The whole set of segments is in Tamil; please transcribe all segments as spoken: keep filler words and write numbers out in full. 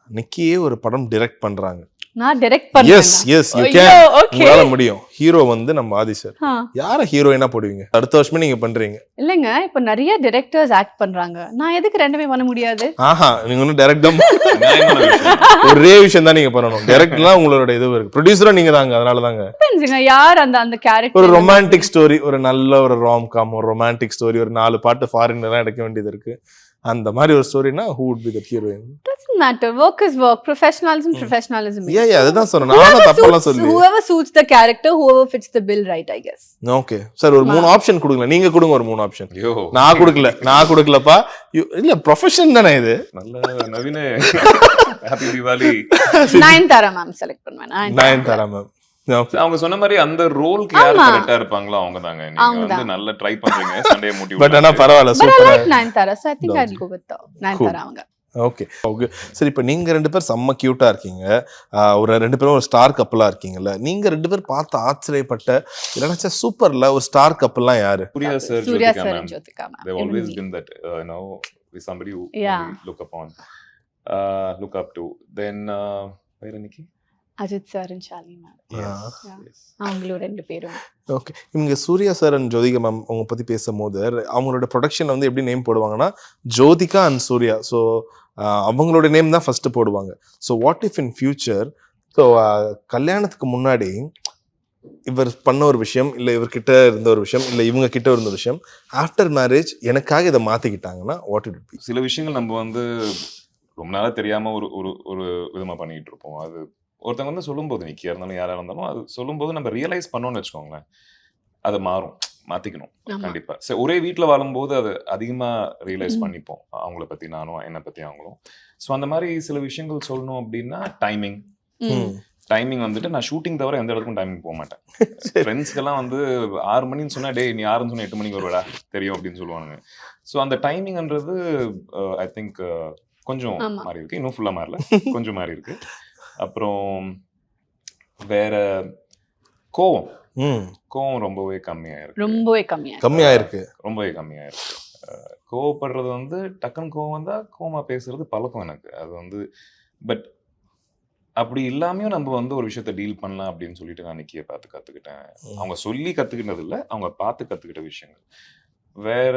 நிக்கியே ஒரு படம் டைரக்ட் பண்றாங்க. நான் டைரக்ட் பண்றேன். Yes yes you can. உங்களால முடியும். ஹீரோ வந்து நம்ம ஆதி சார். யார ஹீரோயினா போடுவீங்க? அடுத்த வருஷமே நீங்க பண்றீங்க. இல்லங்க, இப்ப நிறைய டைரக்டர்ஸ் ஆக்ட் பண்றாங்க. நான் எதுக்கு ரெண்டுமே பண்ண முடியாது? ஆஹா, நீங்க ஒன்னும் டைரக்ட் தான் ஒரே விஷயம் தான் நீங்க பண்ணணும். டைரக்ட்லாம் உங்களோட இது இருக்கு. ப்ரொடியூசரா நீங்க தாங்க. அதனால தாங்க. டிபெண்ட்ஸ்ங்க யார் அந்த அந்த கேரக்டர். ஒரு ரொமான்டிக் ஸ்டோரி, ஒரு நல்ல ஒரு ராம் காம், ஒரு ரொமான்டிக் ஸ்டோரி, ஒரு நாலு பாட்டு ஃபாரின்ல எல்லாம் எடுக்க வேண்டியது இருக்கு. அந்த மாதிரி ஒரு ஸ்டோரினா who would be the heroine? Doesn't matter. Work is work. Professionalism, mm. professionalism. Yeah, yeah, அதுதான் சொன்னேன். நானும் தப்பெல்லாம் சொல்லி. Whoever suits the character, whoever fits the bill, right, I guess. Okay. Sir ஒரு மூணு ஆப்ஷன் கொடுங்க. நீங்க கொடுங்க ஒரு மூணு ஆப்ஷன். நான் கொடுக்கல. நான் கொடுக்கலப்பா. இல்ல ப்ரொஃபஷன் தானே இது. நல்ல நவீன happy Deepavali. Nayanthara ma'am select பண்ணுவேன். நயன்தாரா மேம். அவங்க சொன்ன மாதிரி அந்த ரோலுக்கு யார் கரெக்ட்டா இருப்பாங்களோ அவங்க தாங்க. நீங்க வந்து நல்ல ட்ரை பண்றீங்க. Sunday motive. பட் ஆனா பரவாயில்லை. சூப்பரா. Nayanthara. So I think I'll go with Nayanthara அவங்க. Okay okay. சரி, இப்போ நீங்க ரெண்டு பேர் செம்ம கியூட்டா இருக்கீங்க. ஒரு ரெண்டு பேரும் ஒரு ஸ்டார் கப்பலா இருக்கீங்கல்ல. நீங்க ரெண்டு பேர் பார்த்து ஆச்சரியப்பட்ட இல்லைன்னா சூப்பர்ல ஒரு ஸ்டார் கப்பல்லாம் யாரு? Suriya sir, Suriya sir, Jyothika ma'am. They always been that uh, you know with somebody who yeah. we look upon uh look up to. Then uh வேற நிக்கி Ajith sir and Shalini ma'am. அவங்களோட ரெண்டு பேரும். ஓகே. இவங்க Suriya sir and Jyothika ma'am அவங்க பத்தி பேசும்போது அவங்களோட ப்ரொடக்ஷன் வந்து எப்படி நேம் போடுவாங்கன்னா ஜோதிகா அண்ட் சூர்யா. ஸோ அவங்களோட நேம் தான் ஃபர்ஸ்ட் போடுவாங்க. So what if in future, so கல்யாணத்துக்கு முன்னாடி இவர் பண்ண ஒரு விஷயம், இல்லை இவர்கிட்ட இருந்த ஒரு விஷயம், இல்லை இவங்க கிட்ட இருந்த ஒரு விஷயம், ஆஃப்டர் மேரேஜ் எனக்காக இதை மாத்திக்கிட்டாங்கன்னா வாட் இட் பி? சில விஷயங்கள் நம்ம வந்து ரொம்ப நாளா தெரியாம ஒரு ஒரு ஒரு விதமா பண்ணிட்டு இருப்போம். அது ஒருத்தவங்க வந்து சொல்லும்போது, நிக்கியா இருந்தாலும் யாரா இருந்தாலும் அது சொல்லும்போது நம்ம ரியலைஸ் பண்ணோம்னு வச்சுக்கோங்களேன், அது மாறும், மாத்திக்கணும் கண்டிப்பா. சரி, ஒரே வீட்டில் வாழும்போது அது அதிகமா ரியலைஸ் பண்ணிப்போம், அவங்கள பத்தி நானும் என்னை பத்தி அவங்களும். ஸோ அந்த மாதிரி சில விஷயங்கள் சொல்லணும் அப்படின்னா டைமிங் டைமிங் வந்துட்டு நான் ஷூட்டிங் தவிர எந்த இடத்துக்கும் டைமிங் போக மாட்டேன். ஃப்ரெண்ட்ஸ்க்கெல்லாம் வந்து ஆறு மணின்னு சொன்னா டே நீ ஆறுன்னு சொன்னா எட்டு மணிக்கு வருவடா தெரியும் அப்படின்னு சொல்லுவானுங்க. ஸோ அந்த டைமிங்ன்றது ஐ திங்க் கொஞ்சம் மாறி இருக்கு. இன்னும் ஃபுல்லா மாறல, கொஞ்சம் மாறி இருக்கு. அப்புறம் வேற கோவம் கோவம் ரொம்பவே கம்மியாயிருக்கு. ரொம்பவே கம்மியா கம்மியாயிருக்கு ரொம்பவே கம்மியாயிருக்கு. கோவப்படுறது வந்து டக்குன்னு கோவம் வந்தா கோவமா பேசுறது பழக்கம் எனக்கு. அது வந்து பட் அப்படி இல்லாமையும் நம்ம வந்து ஒரு விஷயத்த டீல் பண்ணலாம் அப்படின்னு சொல்லிட்டு நான் நிக்கிய பார்த்து கத்துக்கிட்டேன். அவங்க சொல்லி கத்துக்கிட்டது இல்லை, அவங்க பார்த்து கத்துக்கிட்ட விஷயங்கள். வேற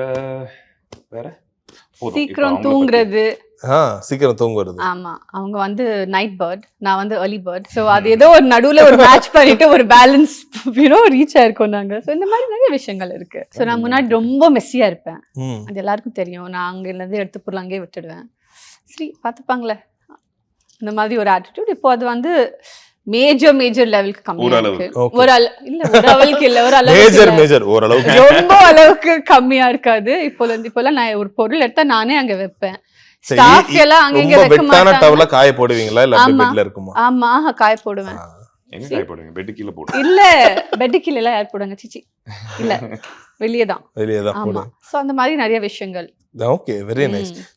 வேற சீக்கிரம் தூங்குறது. சீக்கிரம் தூங்குறது. ஆமா, அவங்க வந்து நைட் பேர்ட், நான் வந்து early bird. சோ அது ஏதோ ஒரு நடுவுல ஒரு மேட்ச் பண்ணிட்டு ஒரு பேலன்ஸ் யூனோ ரீச் ஆயிருக்கோம் நாங்க. சோ இந்த மாதிரி நிறைய விஷயங்கள் இருக்கு. சோ நான் முன்னாடி ரொம்ப மெஸ்ஸியா இருப்பேன், அது எல்லாருக்கும் தெரியும். நான் அங்க இருந்து எடுத்து பொருள் அங்கேயே விட்டுடுவேன். சரி பார்த்துப்பாங்களே, இந்த மாதிரி ஒரு ஆட்டிடியூட். இப்போ அது வந்து மேஜர் மேஜர் லெவலுக்கு கம்மியா இருக்கு. ஒரு இல்ல ஒரு அளவுக்கு இல்ல, ஒரு அளவுக்கு மேஜர் மேஜர் ஓரளவுக்கு ரொம்ப அளவுக்கு கம்மியா இருக்காது. இப்போல இருந்து இப்போலாம் நான் ஒரு பொருள் எடுத்தா நானே அங்க வைப்பேன். ஸ்டாஃப் எல்லாம் அங்க இங்க வைக்க மாட்டாங்க. டவல காய போடுவீங்களா இல்ல பெட்ல இருக்குமா? ஆமா, காய போடுவேன். எங்க காய போடுவீங்க? பெட் கீழ போடுவீங்க? இல்ல பெட் கீழ எல்லாம் யார் போடுவாங்க? சிச்சி இல்ல, வெளியே தான் வெளியே தான் போடுவேன். சோ அந்த மாதிரி நிறைய விஷயங்கள். Okay, very nice.